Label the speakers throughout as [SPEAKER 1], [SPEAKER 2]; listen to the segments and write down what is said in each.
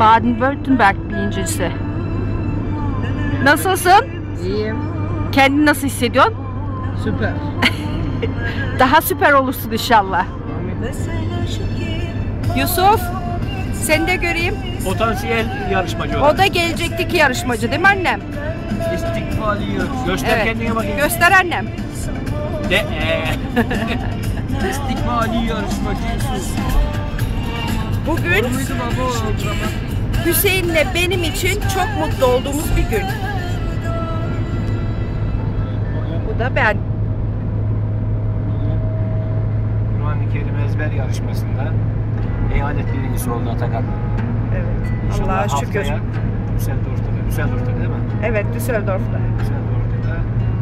[SPEAKER 1] Baden-Württemberg birincisi. Nasılsın?
[SPEAKER 2] İyiyim.
[SPEAKER 1] Kendini nasıl hissediyorsun?
[SPEAKER 2] Süper.
[SPEAKER 1] Daha süper olursun inşallah. Yusuf, seni de göreyim.
[SPEAKER 3] Potansiyel yarışmacı
[SPEAKER 1] O da gelecekteki yarışmacı değil mi annem?
[SPEAKER 3] İstikbali yarış. Göster
[SPEAKER 1] Evet.
[SPEAKER 3] kendine bakayım.
[SPEAKER 1] Göster annem.
[SPEAKER 3] İstikbali yarışmacı.
[SPEAKER 1] Bugün Hüseyin'le benim için çok mutlu olduğumuz bir gün. Bu da ben.
[SPEAKER 3] Kur'an-ı Kerim ezber yarışmasında eyalet birincisi oldu Atakan.
[SPEAKER 1] Evet.
[SPEAKER 3] İnşallah
[SPEAKER 1] Allah'a şükür.
[SPEAKER 3] haftaya Düsseldorf'ta değil mi?
[SPEAKER 1] Evet, Düsseldorf'ta.
[SPEAKER 3] Düsseldorf'ta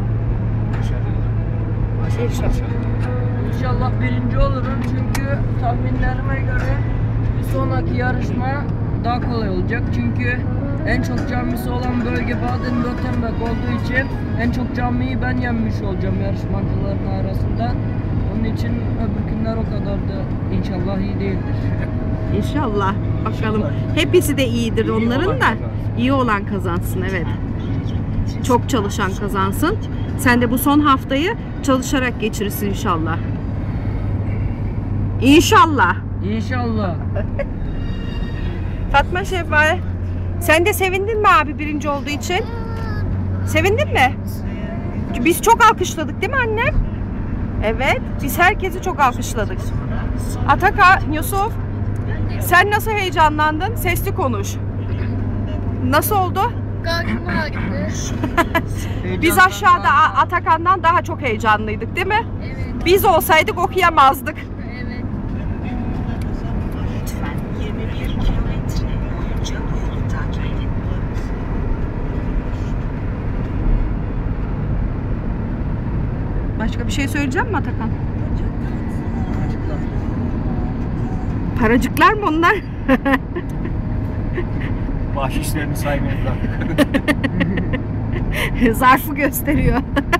[SPEAKER 1] İnşallah.
[SPEAKER 2] İnşallah birinci olurum çünkü tahminlerime göre bir sonraki yarışma daha kolay olacak. Çünkü en çok camisi olan bölge Baden-Württemberg olduğu için en çok camiyi ben yenmiş olacağım yarışmacıların arasında. Onun için öbür günler o kadar da inşallah iyi değildir.
[SPEAKER 1] İnşallah. Bakalım. Hepsi de iyidir
[SPEAKER 3] İyi
[SPEAKER 1] onların
[SPEAKER 3] olan
[SPEAKER 1] da.
[SPEAKER 3] kazansın.
[SPEAKER 1] İyi olan kazansın, evet. Çok çalışan kazansın. Sen de bu son haftayı çalışarak geçirirsin inşallah. İnşallah.
[SPEAKER 2] İnşallah.
[SPEAKER 1] Fatma Şevval, sen de sevindin mi abi birinci olduğu için? Sevindin mi? Biz çok alkışladık değil mi annem? Evet, biz herkesi çok alkışladık. Atakan, Yusuf, sen nasıl heyecanlandın? Sesli konuş. Nasıl oldu? Biz aşağıda Atakan'dan daha çok heyecanlıydık değil mi?
[SPEAKER 4] Evet.
[SPEAKER 1] Biz olsaydık okuyamazdık.
[SPEAKER 4] Evet.
[SPEAKER 5] Lütfen 21 kilometre boyunca bu yolu takip edin.
[SPEAKER 1] Başka bir şey söyleyeceğim mi Atakan? Paracıklar mı onlar?
[SPEAKER 3] Bahşişlerini saymayı bırak.
[SPEAKER 1] Zarfı gösteriyor.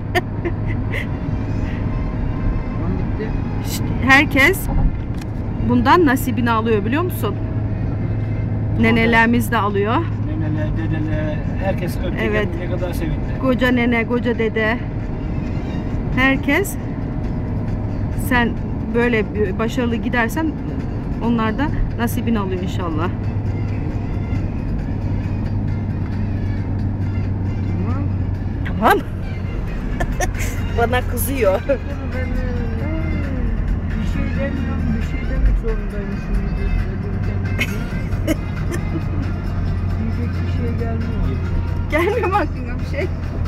[SPEAKER 1] İşte herkes bundan nasibini alıyor biliyor musun? Nenelerimiz de alıyor.
[SPEAKER 3] Neneler, dedeler, herkes öptü.
[SPEAKER 1] Evet.
[SPEAKER 3] Ne kadar sevindi.
[SPEAKER 1] Koca nene, koca dede. Herkes, sen böyle başarılı gidersen onlar da nasibini alıyor inşallah. Tamam. Bana kızıyor.
[SPEAKER 2] Bir şey demiyorum, bir şey demek zorundayım şimdi. Diyecek bir şey gelmiyor.
[SPEAKER 1] Gelmiyor mu aklına bir şey?